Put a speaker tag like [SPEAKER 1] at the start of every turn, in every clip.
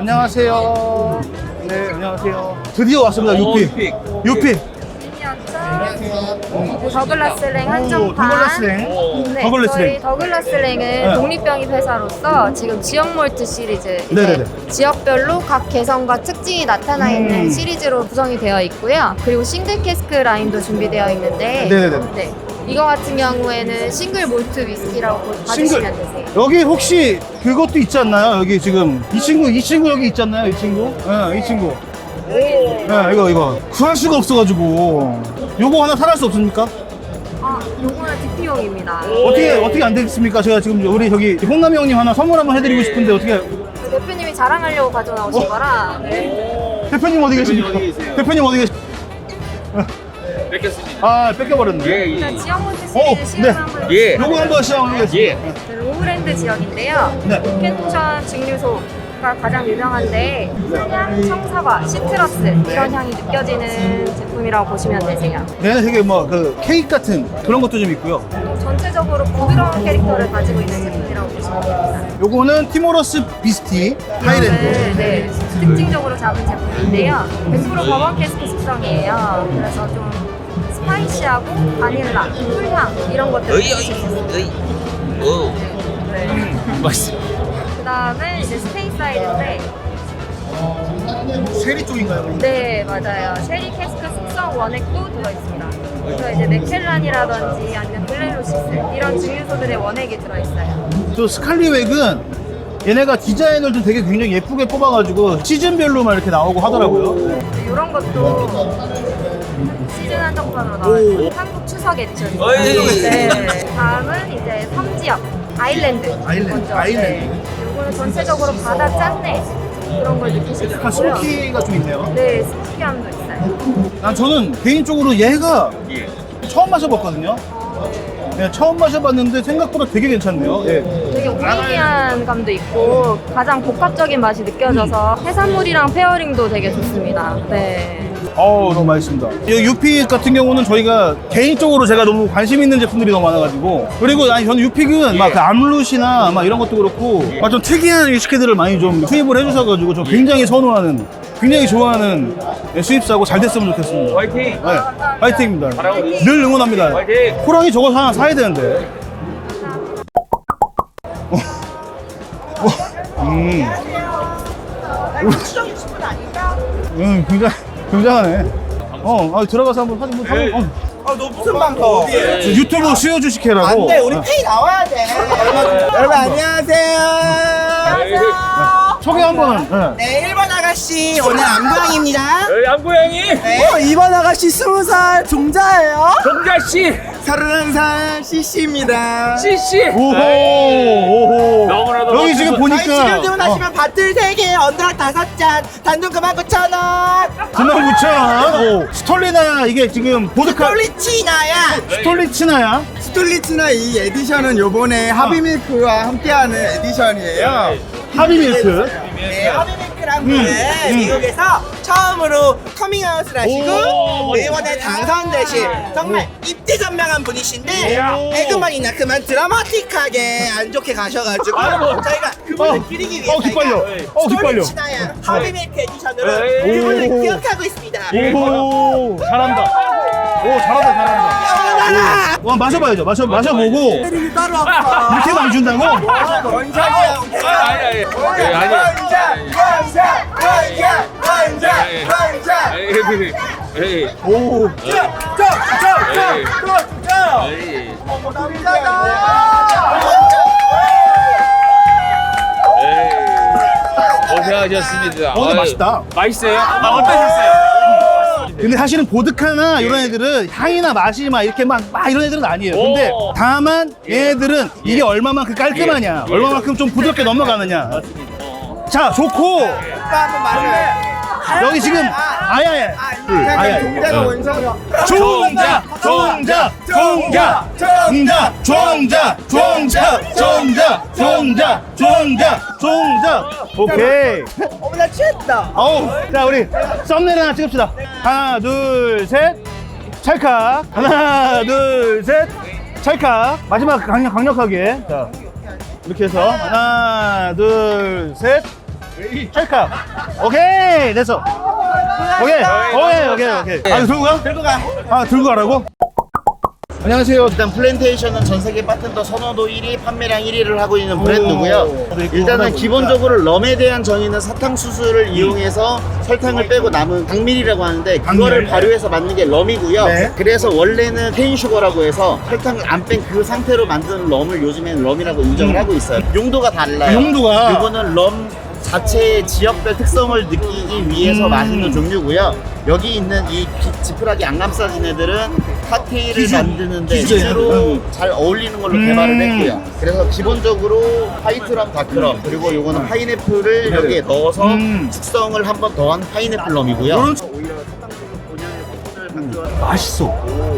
[SPEAKER 1] 안녕하세요. 네, 안녕하세요. 드디어 왔습니다. 유피. 유피.
[SPEAKER 2] 더글라스랭 한정판.
[SPEAKER 1] 더글라스랭.
[SPEAKER 2] 네,
[SPEAKER 1] 더글라스랭.
[SPEAKER 2] 저희 더글라스랭은
[SPEAKER 1] 네.
[SPEAKER 2] 독립병입 회사로서 지금 지역 몰트 시리즈, 이제
[SPEAKER 1] 네네네.
[SPEAKER 2] 지역별로 각 개성과 특징이 나타나 있는 시리즈로 구성이 되어 있고요. 그리고 싱글 캐스크 라인도 준비되어 있는데,
[SPEAKER 1] 네네네.
[SPEAKER 2] 네, 이거 같은 경우에는 싱글 몰트 위스키라고 봐주시면 되세요.
[SPEAKER 1] 여기 혹시 그것도 있지 않나요? 여기 지금 이 친구 여기 있지 않나요? 이 친구? 네, 이 친구. 네, 이거 구할 수가 없어가지고 요거 하나 사갈 수 없습니까?
[SPEAKER 2] 아, 요거는 DP용입니다.
[SPEAKER 1] 어떻게 안 되겠습니까? 제가 지금 우리 저기 홍남이 형님 하나 선물 한번 해드리고 싶은데 어떻게?
[SPEAKER 2] 대표님이 자랑하려고 가져나오신 거라. 네.
[SPEAKER 1] 대표님 어디 계십니까? 대표님 어디 계십니까?
[SPEAKER 3] 뺏겼습니다.
[SPEAKER 1] 아 뺏겨버렸네.
[SPEAKER 2] 일단 지역 몰트 시리즈 시험
[SPEAKER 1] 네.
[SPEAKER 2] 한번
[SPEAKER 3] 예.
[SPEAKER 1] 요거 한번 시작하겠습니다.
[SPEAKER 3] 예.
[SPEAKER 2] 로우랜드 지역인데요.
[SPEAKER 1] 네.
[SPEAKER 2] 로켓션 증류소가 가장 유명한데 향, 청사과, 시트러스 이런 향이 느껴지는 제품이라고 보시면 되세요.
[SPEAKER 1] 얘는 되게 뭐 그 케이크 같은 그런 것도 좀 있고요.
[SPEAKER 2] 또 전체적으로 부드러운 캐릭터를 가지고 있는 제품이라고 보시면 됩니다.
[SPEAKER 1] 요거는 티모러스 비스티 하이랜드.
[SPEAKER 2] 네. 특징적으로 잡은 제품인데요. 100% 버번 캐스크 숙성이에요. 그래서 좀 스파이시하고 바닐라, 꿀향 이런 것들을 느끼실 수 있어요.
[SPEAKER 3] 오.
[SPEAKER 2] 네.
[SPEAKER 3] 맛있어.
[SPEAKER 2] 그 다음에 이제 스테이사이드인데,
[SPEAKER 1] 쉐리 쪽인가요?
[SPEAKER 2] 네, 맞아요. 쉐리 캐스크 숙성 원액도 들어있습니다. 그래서 이제 맥켈란이라든지 아니면 블레로시스 이런 증류소들의 원액이 들어있어요.
[SPEAKER 1] 또 스칼리웩은 얘네가 디자인을 좀 되게 굉장히 예쁘게 뽑아가지고 시즌별로만 이렇게 나오고 하더라고요.
[SPEAKER 2] 이런 것도 시즌 한정판으로 나와요. 한국 추석 에디션입니다.
[SPEAKER 3] 어이.
[SPEAKER 2] 네. 다음은 이제 섬지역 아일랜드. 먼저.
[SPEAKER 1] 아일랜드.
[SPEAKER 2] 네. 이거는 전체적으로 바다 짠내 그런 걸 느끼실 수
[SPEAKER 1] 약간
[SPEAKER 2] 있고요.
[SPEAKER 1] 스모키가 좀 있네요.
[SPEAKER 2] 네, 스모키함도 있어요.
[SPEAKER 1] 저는 개인적으로 얘가
[SPEAKER 3] 예.
[SPEAKER 1] 처음 마셔봤거든요. 네, 처음 마셔봤는데 생각보다 되게 괜찮네요. 예.
[SPEAKER 2] 되게 오리지한 감도 있고 가장 복합적인 맛이 느껴져서 해산물이랑 페어링도 되게 좋습니다. 네.
[SPEAKER 1] 너무 맛있습니다. 이 유픽 같은 경우는 저희가 개인적으로 제가 너무 관심 있는 제품들이 너무 많아가지고 그리고 아니 저는 유픽은 막 그 암룻이나 막 이런 것도 그렇고 막 좀 특이한 위스키들을 많이 좀 투입을 해주셔가지고 저 굉장히 선호하는 굉장히 좋아하는 수입사고 잘 됐으면 좋겠습니다.
[SPEAKER 3] 화이팅.
[SPEAKER 1] 네, 화이팅입니다.
[SPEAKER 3] 잘하고 있습니다.
[SPEAKER 1] 늘 응원합니다.
[SPEAKER 3] 화이팅.
[SPEAKER 1] 호랑이 저거 하나 사야 되는데. 굉장하네. 들어가서 한번 사진 한번.
[SPEAKER 4] 너 무슨 방송?
[SPEAKER 1] 저 유튜브 수요 주식회라고.
[SPEAKER 4] 안 돼, 우리 페이 나와야 돼. 여러분, 안녕하세요.
[SPEAKER 1] 소개 한번.
[SPEAKER 4] 네, 1번 아가씨, 오늘 안광입니다.
[SPEAKER 3] 양고양이.
[SPEAKER 4] 네, 2번 아가씨 20살 종자예요.
[SPEAKER 3] 동자씨.
[SPEAKER 4] 31살 CC입니다.
[SPEAKER 3] 씨씨.
[SPEAKER 1] 오호.
[SPEAKER 3] 너무나도
[SPEAKER 1] 여기 지금
[SPEAKER 4] 저희 지금
[SPEAKER 1] 보니까
[SPEAKER 4] 주문하시면 밭들 3개, 언더락 5잔, 단돈 99,000원.
[SPEAKER 1] 99,000원. 스톨리나 이게 지금 보드카
[SPEAKER 4] 스톨리치나야.
[SPEAKER 1] 스톨리치나야?
[SPEAKER 4] 스톨리치나 이 에디션은 요번에 하비밀크와 함께하는 에디션이에요.
[SPEAKER 1] 하비밀크.
[SPEAKER 4] 네, 하비밀크란 분은 미국에서 처음으로 커밍아웃을 하시고 이번에 당선되신 정말 입지전명한 분이신데 에그머니나 그만 드라마틱하게 안 좋게 가셔가지고 저희가 그분을 기리기 위해서
[SPEAKER 1] 기빨려. 기빨려.
[SPEAKER 4] 스토리치나야 하비밀크 에디션으로
[SPEAKER 3] 에이.
[SPEAKER 4] 그분을 기억하고 있습니다.
[SPEAKER 1] 오, 잘한다. 오, 잘한다.
[SPEAKER 4] 영원하라!
[SPEAKER 1] 와, 마셔봐야죠. 마셔보고
[SPEAKER 4] 때리기 따로 아파.
[SPEAKER 1] 이렇게 막 준다고?
[SPEAKER 4] 원샷이야.
[SPEAKER 3] 아니. 에이.
[SPEAKER 1] 오,
[SPEAKER 3] 고생하셨습니다.
[SPEAKER 1] 근데 맛있다.
[SPEAKER 3] 맛있어요? 어떠셨어요?
[SPEAKER 1] 근데 사실은 보드카나 이런 애들은 향이나 맛이 막 이렇게 막 이런 애들은 아니에요. 근데
[SPEAKER 3] 오.
[SPEAKER 1] 다만 얘들은 이게 얼마만큼 깔끔하냐,
[SPEAKER 3] 예.
[SPEAKER 1] 얼마만큼 좀 부드럽게 넘어가느냐. 자, 좋고
[SPEAKER 4] 오빠 한번 마셔요.
[SPEAKER 1] 여기 지금 아야야.
[SPEAKER 4] 그냥 종자가 원성이야.
[SPEAKER 1] 종자. 오케이.
[SPEAKER 4] 어머 나 취했다.
[SPEAKER 1] 자, 우리 썸네일 하나 찍읍시다. 하나, 둘, 셋. 찰칵. 하나, 둘, 셋. 찰칵. 마지막 강력하게. 자, 이렇게 해서 하나, 둘, 셋. 찰칵. 오케이 됐어. 오케이. 아 들고 가?
[SPEAKER 4] 들고 가.
[SPEAKER 1] 아 들고 가라고? 안녕하세요.
[SPEAKER 5] 일단 플랜테이션은 전 세계 바텐더 선호도 1위, 판매량 1위를 하고 있는 브랜드고요. 일단은 기본적으로 럼에 대한 정의는 사탕수수를 이용해서 설탕을 빼고 남은 당밀이라고 하는데 그거를 발효해서 만든 게 럼이고요.
[SPEAKER 1] 네.
[SPEAKER 5] 그래서 원래는 케인슈거라고 해서 설탕을 안 뺀 그 상태로 만든 럼을 요즘에는 럼이라고 인정을 하고 있어요. 용도가 달라요.
[SPEAKER 1] 용도가?
[SPEAKER 5] 이거는 럼 자체의 지역별 특성을 느끼기 위해서 마시는 종류고요. 여기 있는 이 지푸라기 안 감싸진 애들은 칵테일을 만드는데
[SPEAKER 1] 기준.
[SPEAKER 5] 실제로 잘 어울리는 걸로 개발을 했고요. 그래서 기본적으로 화이트럼, 다크럼, 그리고 요거는 파인애플을 여기에 넣어서 숙성을 한 번 더한 파인애플 럼이고요.
[SPEAKER 1] 요런
[SPEAKER 5] 오히려 사탕수수 본연의 성분을 강조한
[SPEAKER 1] 맛있어.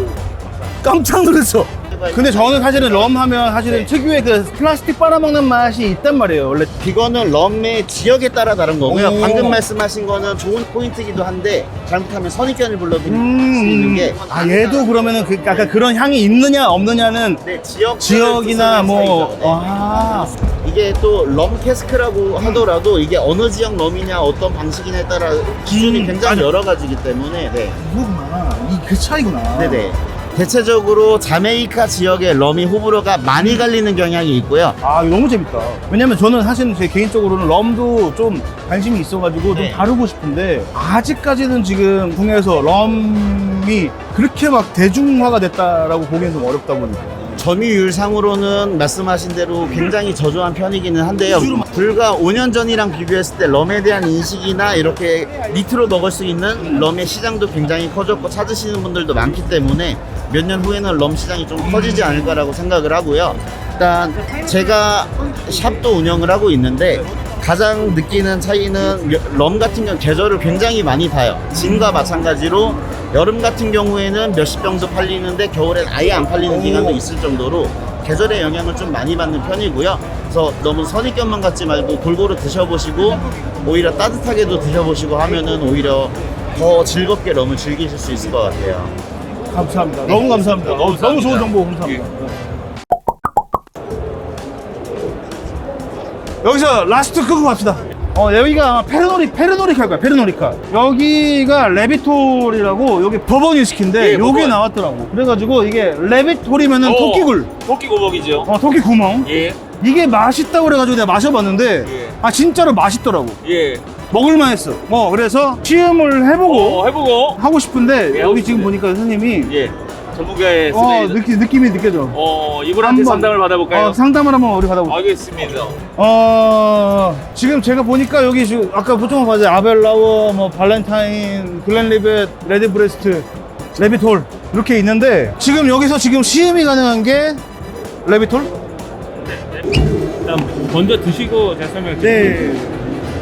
[SPEAKER 1] 깜짝 놀랐어. 근데 저는 사실은 럼 하면 사실은 특유의 그 플라스틱 빨아먹는 맛이 있단 말이에요. 원래
[SPEAKER 5] 이거는 럼의 지역에 따라 다른 거고요.
[SPEAKER 1] 오.
[SPEAKER 5] 방금 말씀하신 거는 좋은 포인트이기도 한데 잘못하면 선입견을 불러드릴 수 있는 게
[SPEAKER 1] 얘도 그러면은 그 약간 그런 향이 있느냐 없느냐는
[SPEAKER 5] 네,
[SPEAKER 1] 지역이나 뭐
[SPEAKER 5] 네.
[SPEAKER 1] 아.
[SPEAKER 5] 이게 또 럼 캐스크라고 하더라도 이게 어느 지역 럼이냐 어떤 방식이냐에 따라 기준이 굉장히 여러 가지이기 때문에 네.
[SPEAKER 1] 이거구나. 그 차이구나.
[SPEAKER 5] 네네. 대체적으로 자메이카 지역의 럼이 호불호가 많이 갈리는 경향이 있고요.
[SPEAKER 1] 아 이거 너무 재밌다. 왜냐면 저는 사실은 제 개인적으로는 럼도 좀 관심이 있어가지고
[SPEAKER 5] 네.
[SPEAKER 1] 좀 다루고 싶은데 아직까지는 지금 국내에서 럼이 그렇게 막 대중화가 됐다라고 보기엔 좀 어렵다 보니까.
[SPEAKER 5] 점유율상으로는 말씀하신 대로 굉장히 저조한 편이기는 한데요. 불과 5년 전이랑 비교했을 때 럼에 대한 인식이나 이렇게 니트로 먹을 수 있는 럼의 시장도 굉장히 커졌고 찾으시는 분들도 많기 때문에 몇 년 후에는 럼 시장이 좀 커지지 않을까라고 생각을 하고요. 일단 제가 샵도 운영을 하고 있는데 가장 느끼는 차이는 럼 같은 경우 계절을 굉장히 많이 타요. 진과 마찬가지로 여름 같은 경우에는 몇십 병도 팔리는데 겨울엔 아예 안 팔리는 기간도 있을 정도로 계절의 영향을 좀 많이 받는 편이고요. 그래서 너무 선입견만 갖지 말고 골고루 드셔보시고 오히려 따뜻하게도 드셔보시고 하면은 오히려 더 즐겁게 럼을 즐기실 수 있을 것 같아요.
[SPEAKER 1] 감사합니다. 너무 감사합니다. 너무 좋은 정보 감사합니다. 여기서 라스트 끄고 갑시다. 여기가 아마 페르노리카 할 거야. 페르노리카. 여기가 레비톨이라고 여기 버번 위스키인데
[SPEAKER 3] 예,
[SPEAKER 1] 여기
[SPEAKER 3] 버번.
[SPEAKER 1] 나왔더라고. 그래가지고 이게 레비톨이면은 토끼굴.
[SPEAKER 3] 토끼 고복이죠.
[SPEAKER 1] 토끼 구멍.
[SPEAKER 3] 예.
[SPEAKER 1] 이게 맛있다고 그래가지고 내가 마셔봤는데
[SPEAKER 3] 예.
[SPEAKER 1] 아 진짜로 맛있더라고.
[SPEAKER 3] 예.
[SPEAKER 1] 먹을만 했어. 그래서 시음을 해보고
[SPEAKER 3] 해보고.
[SPEAKER 1] 하고 싶은데
[SPEAKER 3] 예,
[SPEAKER 1] 여기
[SPEAKER 3] 하고
[SPEAKER 1] 지금
[SPEAKER 3] 싶은데.
[SPEAKER 1] 보니까 선생님이
[SPEAKER 3] 예. 전문가의 스타일.
[SPEAKER 1] 느낌이 느껴져.
[SPEAKER 3] 이분한테
[SPEAKER 1] 한번,
[SPEAKER 3] 상담을 받아볼까요?
[SPEAKER 1] 상담을 한번 우리 받아볼게요.
[SPEAKER 3] 알겠습니다.
[SPEAKER 1] 지금 제가 보니까 여기 지금 아까 보통 봤어요. 아벨라워, 뭐 발렌타인, 글렌리벳, 레드브레스트, 레비톨 이렇게 있는데 지금 여기서 지금 시음이 가능한 게 레비톨?
[SPEAKER 6] 일단 먼저 드시고 제가 설명드릴게요.
[SPEAKER 1] 네.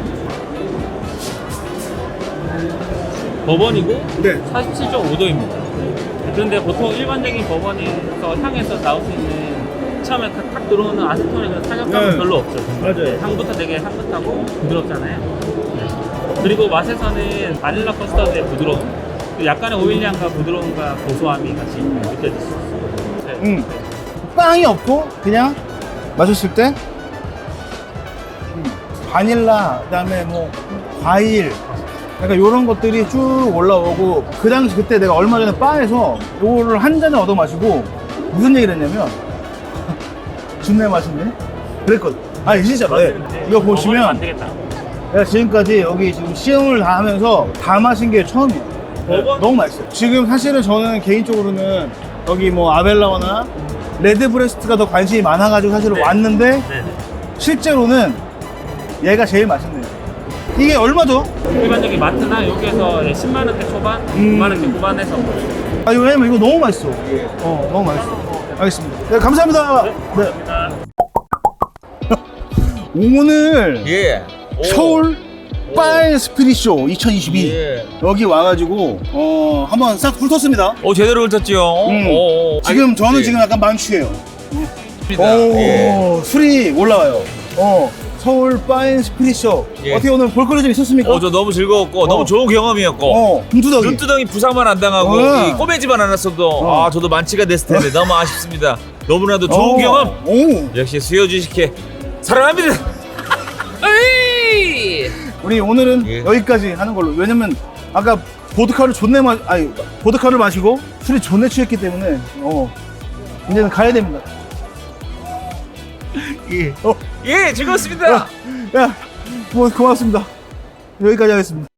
[SPEAKER 6] 버번이고
[SPEAKER 1] 네.
[SPEAKER 6] 47.5도입니다. 그런데 보통 일반적인 버번에서 향에서 나올 수 있는 처음에 탁 들어오는 아세톤의 그런 타격감은
[SPEAKER 1] 네.
[SPEAKER 6] 별로 없죠.
[SPEAKER 1] 맞아요.
[SPEAKER 6] 향부터 되게 향긋하고 부드럽잖아요. 네. 그리고 맛에서는 바닐라 커스터드의 부드러움, 약간의 오일향과 부드러움과 고소함이 같이 느껴질 수 있어요. 네.
[SPEAKER 1] 빵이 없고 그냥 마셨을 때 바닐라, 그다음에 뭐 과일, 약간 이런 것들이 쭉 올라오고 그 당시 그때 내가 얼마 전에 바에서 요거를 한 잔을 얻어 마시고 무슨 얘기를 했냐면 준내 맛있네? 그랬거든. 아니 진짜로. 네. 이거
[SPEAKER 6] 버번은 안
[SPEAKER 1] 보시면
[SPEAKER 6] 되겠다.
[SPEAKER 1] 내가 지금까지 여기 지금 시음을 다 하면서 다 마신 게 처음이에요. 네,
[SPEAKER 6] 버번?
[SPEAKER 1] 너무 맛있어요. 지금 사실은 저는 개인적으로는 여기 뭐 아벨라워나 레드브레스트가 더 관심이 많아가지고 사실은
[SPEAKER 6] 네.
[SPEAKER 1] 왔는데
[SPEAKER 6] 네네.
[SPEAKER 1] 실제로는 얘가 제일 맛있네요. 이게 얼마죠?
[SPEAKER 6] 일반적인 마트나 여기에서 10만 원대 초반, 9만 원대 후반에서
[SPEAKER 1] 아, 이거 왜냐면 이거 너무 맛있어. 너무 맛있어. 알겠습니다. 네, 감사합니다. 네. 오늘
[SPEAKER 3] 예.
[SPEAKER 1] 서울 파인 스피릿쇼 2022
[SPEAKER 3] 예.
[SPEAKER 1] 여기 와가지고 한번 싹 훑었습니다.
[SPEAKER 3] 제대로 훑었죠.
[SPEAKER 1] 지금 저는 지금 약간 만취해요.
[SPEAKER 3] 예.
[SPEAKER 1] 술이 올라와요. 서울 파인 스피릿쇼
[SPEAKER 3] 예.
[SPEAKER 1] 어떻게 오늘 볼거리 좀 있었습니까?
[SPEAKER 3] 저 너무 즐거웠고 너무 좋은 경험이었고
[SPEAKER 1] 눈두덩이.
[SPEAKER 3] 눈두덩이 부상만 안 당하고 이 꼬매지만 않았어도 저도 만취가 됐을 텐데 너무 아쉽습니다. 너무나도 좋은 경험.
[SPEAKER 1] 오.
[SPEAKER 3] 역시 수요 주식회 사랑합니다. 에이!
[SPEAKER 1] 우리 오늘은
[SPEAKER 3] 예.
[SPEAKER 1] 여기까지 하는 걸로. 왜냐면 아까 보드카를 마시고 술이 존내 취했기 때문에 이제는 가야 됩니다.
[SPEAKER 3] 예, 즐거웠습니다.
[SPEAKER 1] 야, 고맙습니다. 여기까지 하겠습니다.